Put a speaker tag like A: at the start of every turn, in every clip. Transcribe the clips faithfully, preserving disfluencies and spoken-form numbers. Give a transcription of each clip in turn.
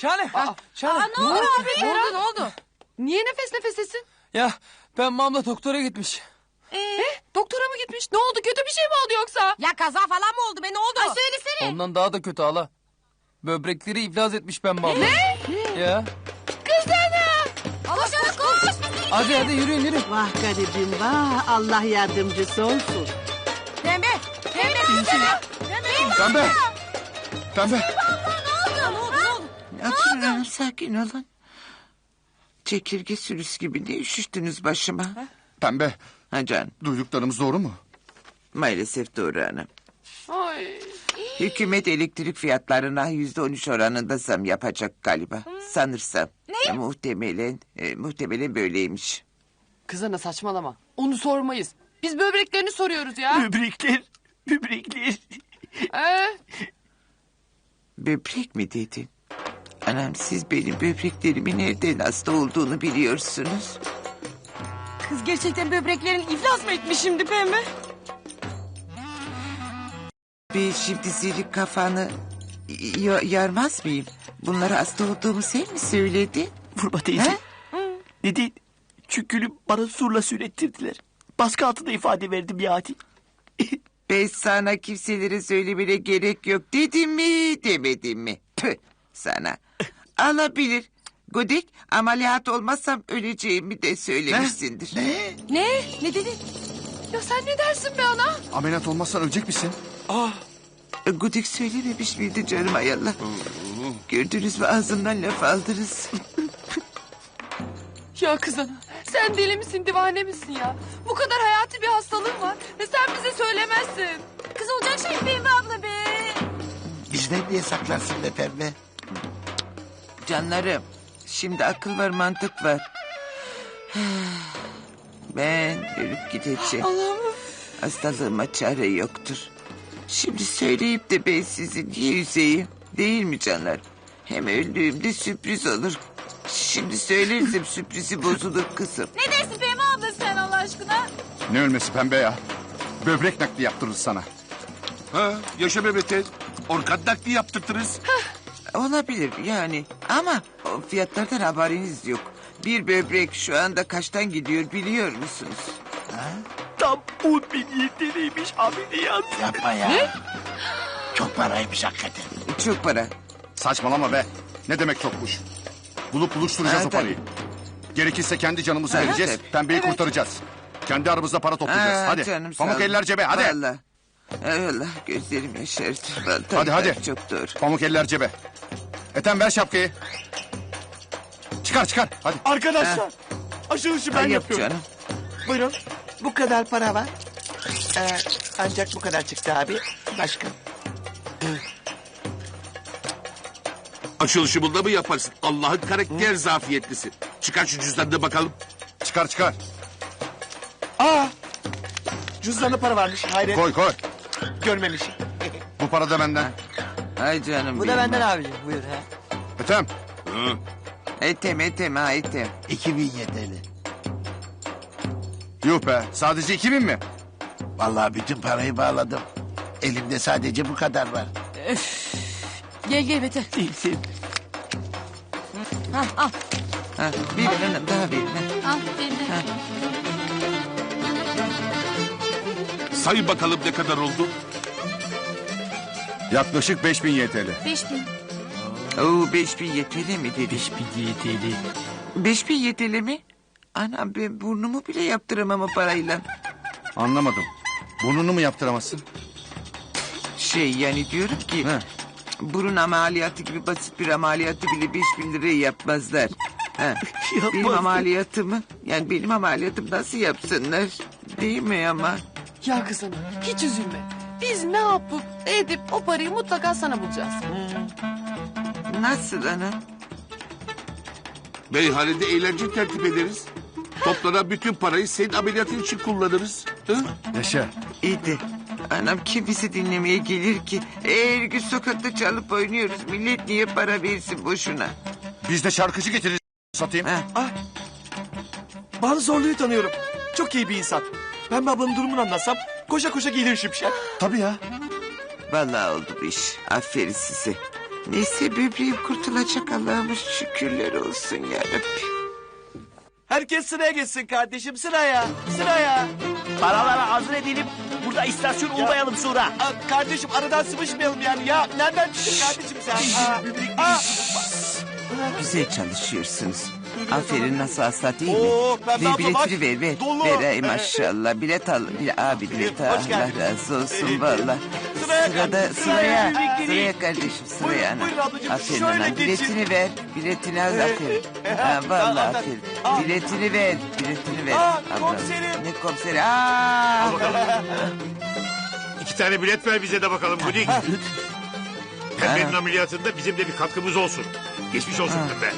A: Şahane. Aa, Şahane.
B: Aa, ne oldu abi?
C: Ne oldu ne oldu? Niye nefes nefesesin?
A: Ya ben mamla doktora gitmiş.
C: Ee? Doktora mı gitmiş? Ne oldu? Kötü bir şey mi oldu yoksa?
B: Ya kaza falan mı oldu be, ne oldu?
C: Ay söylesene.
A: Ondan daha da kötü hala. Böbrekleri iflas etmiş ben mamla.
C: Ne?
A: Ya.
B: Koş koş.
A: Hadi hadi yürüyün yürüyün.
D: Vah garibim vah, Allah yardımcısı olsun.
B: Pembe. Pembe. Pembe.
E: Pembe. Pembe.
B: Ne oldu? Ne oldu?
D: Oturun hanım, sakin olun. Çekirge sürüsü gibi ne üşüştünüz başıma?
E: Pembe.
D: Ha canım,
E: Duyduklarımız doğru mu?
D: maalesef doğru hanım.
C: Ay.
D: Hükümet elektrik fiyatlarına yüzde on üç oranında zam yapacak galiba. Sanırsam. Ne? Muhtemelen, e, muhtemelen böyleymiş.
C: Kız ana saçmalama. Onu sormayız. Biz böbreklerini soruyoruz ya.
F: Böbrekler, böbrekler.
C: Ee,
D: Böbrek mi dedin? Anam, siz benim böbreklerimin nereden hasta olduğunu biliyorsunuz.
B: Kız gerçekten böbreklerin iflas mı etmiş şimdi Pembe?
D: Ben şimdi senin kafanı y- yarmaz mıyım? Bunlara hasta olduğumu sen mi söyledin?
F: Vurma teyze.
D: He?
F: Neden? Çünkü bana surla sürettirdiler. Baskı altında ifade verdim ya hadi.
D: Ben sana kimselere söylemene gerek yok dedim mi demedim mi? Tüh sana. Alabilir. Godik, ameliyat olmazsam öleceğimi de söylemişsindir.
E: Ne?
B: Ne? Ne dedin?
C: ya sen ne dersin be ana?
E: Ameliyat olmazsan ölecek misin?
D: Godik söylememiş miydi canım ayallah? Gördünüz mü, ağzımdan laf aldınız.
C: Ya kız ana, sen deli misin, divane misin ya? Bu kadar hayati bir hastalığın var ve sen bize söylemezsin.
B: Kız olacak şey Pembe abla be.
G: Bizden niye saklarsın be Pembe?
D: Canlarım, şimdi akıl var, mantık var. Ben ölüp gideceğim.
C: Allah'ım.
D: Hastalığıma çare yoktur. Şimdi söyleyip de ben sizi niye üzeyim? Değil mi canlar? Hem öldüğümde sürpriz olur. Şimdi söylersem sürprizi bozulur kızım.
B: Ne dersin Pembe abla sen Allah aşkına?
E: Ne ölmesi Pembe ya? Böbrek nakli yaptırırız sana.
G: Ha, yaşa bebete. Orkan nakli yaptırtırız.
D: Olabilir yani, ama o fiyatlardan haberiniz yok. Bir böbrek şu anda kaçtan gidiyor biliyor musunuz?
F: Tam on bin yeteneymiş ameliyat.
G: Yapma ya. Ne? Çok paraymış hakikaten.
D: Çok para.
E: Saçmalama be. Ne demek çokmuş? Bulup buluşturacağız
D: Ha,
E: o parayı. Gerekirse kendi canımızı
D: Ha,
E: vereceğiz.
D: tabii.
E: Pembeyi kurtaracağız. Kendi aramızda para toplayacağız.
D: Aa,
E: hadi.
D: canım, sağ
E: Pamuk
D: ol.
E: eller cebe hadi.
D: Vallahi. Eyvallah, gözlerim yaşardı. Vallahi
E: Hadi, hadi.
D: Çok doğru.
E: Pamuk eller cebe. Ethem ver şapkayı. Çıkar çıkar hadi.
F: Arkadaşlar. Açılışı ben
D: Ha, yap
F: yapıyorum.
D: canım.
F: Buyurun. Bu kadar para var. Ee, ancak bu kadar çıktı abi. Başka.
G: Açılışı bunda mı yaparsın? Allah'ın karakter zafiyetlisi. Çıkar şu cüzdanını bakalım.
E: Çıkar çıkar.
F: Aa! Cüzdanda para varmış. Hayret.
E: Koy koy.
F: Görmemişim.
E: Bu para da benden.
D: Ay canım
F: Bu da
D: benim.
F: benden abicim. Buyur ha.
E: Ethem.
G: Hı.
D: Etem etem ha etem.
G: iki bin yeteli.
E: Yuh be sadece iki bin mi?
G: Vallahi bütün parayı bağladım. Elimde sadece bu kadar var.
B: Gel gel Beter.
F: Değilsin.
B: Ha, al.
D: Ha, bir hanım daha verin. ha.
B: Al Pembe.
G: Say bakalım ne kadar oldu?
E: Yaklaşık beş bin Y T L.
B: Beş bin.
D: Oo, beş bin yeteli mi dedi?
F: Beş bin yeteli.
D: Beş bin yeteli mi? Anam, ben burnumu bile yaptıramam o parayla.
E: Anlamadım. Burnunu mu yaptıramazsın?
D: Şey yani diyorum ki...
E: He.
D: Burun ameliyatı gibi basit bir ameliyatı bile beş bin liraya yapmazlar. Ha. Benim
F: Yapmazlar.
D: ameliyatımı, yani benim ameliyatım nasıl yapsınlar? Değil mi ama?
C: Ya kız ana, hiç üzülme. Biz ne yapıp edip o parayı mutlaka sana bulacağız.
D: Nasıl anam?
G: Meyhanede eğlence tertip ederiz. Toplanan bütün parayı senin ameliyatın için kullanırız. Hı?
E: Yaşa.
D: İyi de anam, kim bizi dinlemeye gelir ki? Her gün sokakta çalıp oynuyoruz. Millet niye para versin boşuna?
E: Biz de şarkıcı getiririz satayım.
D: Ha.
F: Ah. Banu Zorlu'yu tanıyorum. Çok iyi bir insan. Pembe ablanın durumunu anlatsam koşa koşa gelir şimşek.
E: Tabii ya.
D: Vallahi oldu bu iş. Aferin size. Neyse böbreğim kurtulacak Allah'ıma şükürler olsun yarabbim.
H: Herkes sıraya geçsin kardeşim sıraya. Sıraya.
I: Paraları hazır edelim. Burada istasyon olmayalım sonra.
H: Aa, kardeşim aradan sıvışmayalım yani ya. Nereden çıktın kardeşim sen? Aa, aa.
D: Güzel çalışıyorsunuz. Aferin nasıl hasta değil mi?
H: Oo, Pembe
D: ver
H: abla bak,
D: biletini ver ver.
H: dolu.
D: Ver ay maşallah. Bilet al. Bile, abi bilet al.
H: Hoş
D: Allah
H: geldin.
D: razı olsun valla.
H: Sıraya
D: Sırada
H: kardeşim,
D: sıraya.
H: sıraya.
D: Sıraya kardeşim sıraya
H: Buyurun,
D: ana.
H: buyurun ablacığım,
D: Aferin
H: şöyle
D: ana.
H: geçin.
D: Biletini ver. Biletini al aferin.
H: e,
D: Ha valla
H: tamam,
D: aferin.
H: al.
D: Biletini ver. Biletini ver.
H: Aa,
D: Ablam.
H: komiserim.
D: Ne komiseri? Aa.
J: İki tane bilet ver bize de bakalım Gudik. Pembe'nin ameliyatında bizim de bir katkımız olsun. Geçmiş olsun Pembe.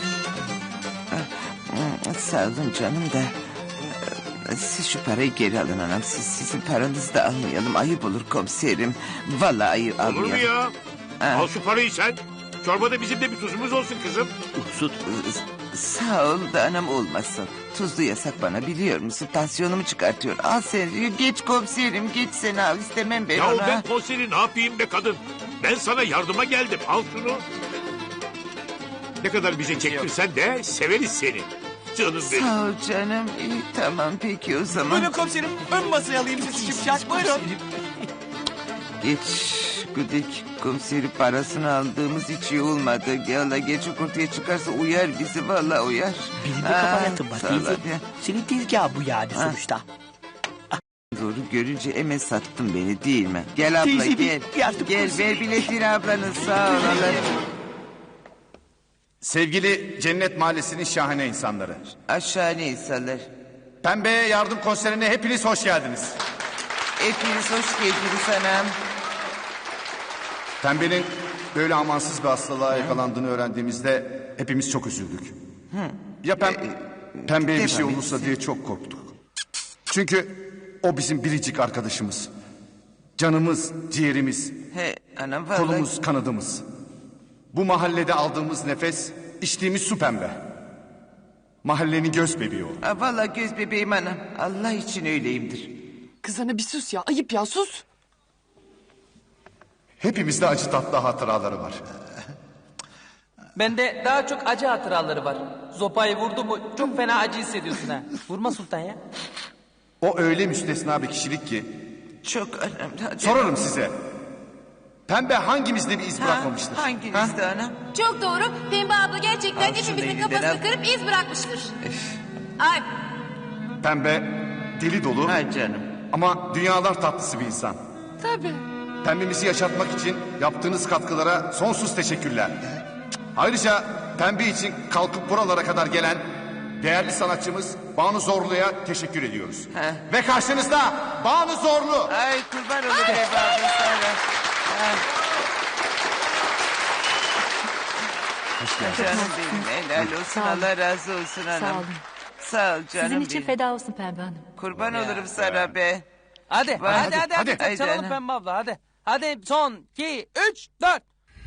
D: Hmm, Sağ olun canım da. e, Siz şu parayı geri alın anam. Siz, sizin paranızı da almayalım. Ayıp olur komiserim. Vallahi ayıp
J: Olur mu
D: almayalım.
J: ya?
D: Ha.
J: Al şu parayı sen. Çorbada bizim de bir tuzumuz olsun kızım.
I: Uhsut.
D: Sağ ol da anam olmasın. Tuzlu yasak bana biliyor musun? Tansiyonumu çıkartıyor. Al sen geç komiserim geç sen al istemem ben
J: Ya
D: ona.
J: ben konseri ne yapayım be kadın? Ben sana yardıma geldim. Al şunu. Ne kadar bize çektirsen de severiz seni. Canım benim.
D: Sağ ol canım. İyi, tamam peki o zaman.
H: Buyurun komiserim. Ön masaya alayım sizi şipşak. Buyurun.
D: Geç Güdük komiseri parasını aldığımız hiç iyi olmadı. Yalla geç ortaya çıkarsa uyar bizi valla uyar.
I: Benim de
D: Ha,
I: kafa yatın var
D: sağ ol
I: teyze.
D: abi.
I: Senin tezgah bu yani sonuçta.
D: Doğru görünce hemen sattın beni değil mi? Gel abla
I: Teyze,
D: gel.
I: bir yardım
D: Gel
I: olsun.
D: ver biletini ablanın sağ ol. Allah.
E: Sevgili Cennet Mahallesi'nin şahane insanları.
D: Aşağı ne insanlar?
E: Pembe'ye yardım konserine hepiniz hoş geldiniz.
D: Hepiniz hoş geldiniz anam.
E: Pembe'nin böyle amansız bir hastalığa yakalandığını öğrendiğimizde hepimiz çok üzüldük. Ya pem Pembe'ye bir şey
D: devam
E: olursa
D: etsin.
E: diye çok korktuk. Çünkü o bizim biricik arkadaşımız. Canımız, ciğerimiz,
D: He anam vallahi.
E: kolumuz, kanadımız. Bu mahallede aldığımız nefes, içtiğimiz su Pembe. Mahallenin göz bebeği o.
D: Ha, vallahi göz bebeğim anam. Allah için öyleyimdir.
C: Kız ana bir sus ya. Ayıp ya sus.
E: Hepimizde acı tatlı hatıraları var.
A: Bende daha çok acı hatıraları var. Zopayı vurdu mu çok fena acı hissediyorsun ha. Vurma Sultan ya.
E: O öyle müstesna bir kişilik ki.
D: Çok anam. Hadi.
E: Sorarım size. Pembe hangimizde bir iz
D: Ha,
E: bırakmamıştır?
D: hanginizde anam?
K: Çok doğru. Pembe abla gerçekten
D: Al şunu
K: hepimizin
D: elinden
K: kafasını
D: al.
K: kırıp iz bırakmıştır. Ay
E: Pembe deli dolu
D: Ha canım.
E: ama dünyalar tatlısı bir insan.
C: Tabii.
E: Pembemizi yaşatmak için yaptığınız katkılara sonsuz teşekkürler. Ayrıca Pembe için kalkıp buralara kadar gelen değerli sanatçımız Banu Zorlu'ya teşekkür ediyoruz.
D: He.
E: Ve karşınızda Banu Zorlu.
D: Ay kurban olurum evladım sana. Ha. Canım benim helal olsun Allah razı olsun anam.
K: Sağ olun.
D: Sağ ol canım
K: sizin için
D: benim.
K: feda olsun Pembe Hanım.
D: Kurban olurum sana be.
A: Hadi
D: Vay,
A: hadi hadi hadi.
E: hadi.
A: hadi. Çalalım
D: Haydi
A: Pembe abla hadi. Hadi son iki üç dört.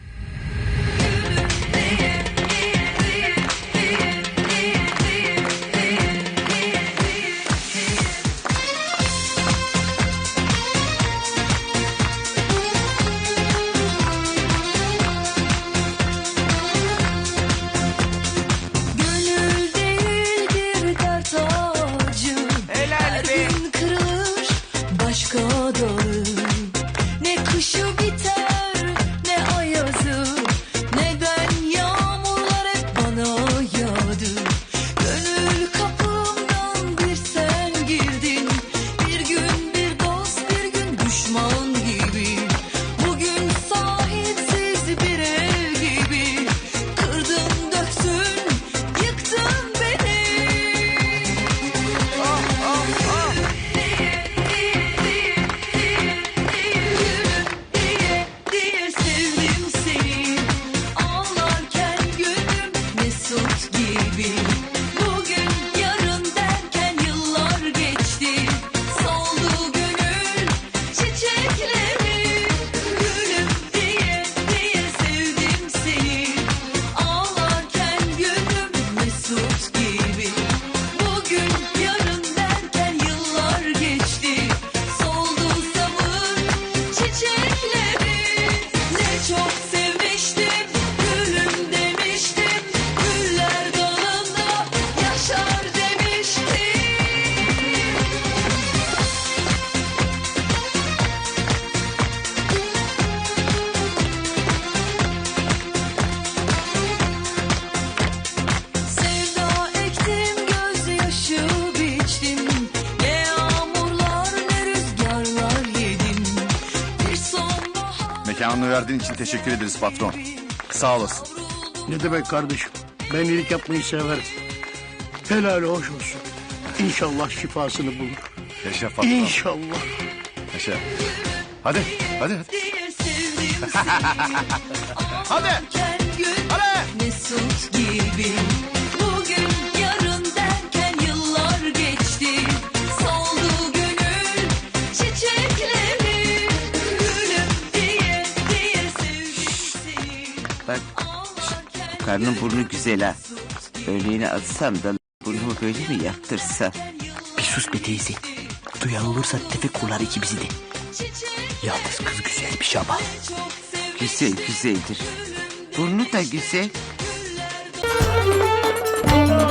K: Gönül değildir dert ağacı.
D: Helal be.
K: Gün kırılır başka dalır. Ne kışı biter ne ay
E: Mekanını verdiğin için teşekkür ederiz patron. Sağ olasın.
L: Ne demek kardeşim? Ben iyilik yapmayı severim. Helal hoş olsun. İnşallah şifasını bulur.
E: Yaşa patron.
L: İnşallah.
E: Yaşa. Hadi, hadi, hadi. Hadi.
K: Hadi. Mesut gibi. Bugün yarın derken yıllar geçti. Soldu gönül çiçekleri. Gülüm diye diye sevdim seni.
D: Bak şşt, karnın burnu güzel ha. Örneğini atsam da burnumu böyle mi yaptırsam?
I: Bir sus be teyze. Duyan olursa tefek kurlar ikimizi de. Yalnız kız güzelmiş ama.
D: Güzel güzeldir. Burnu da güzel.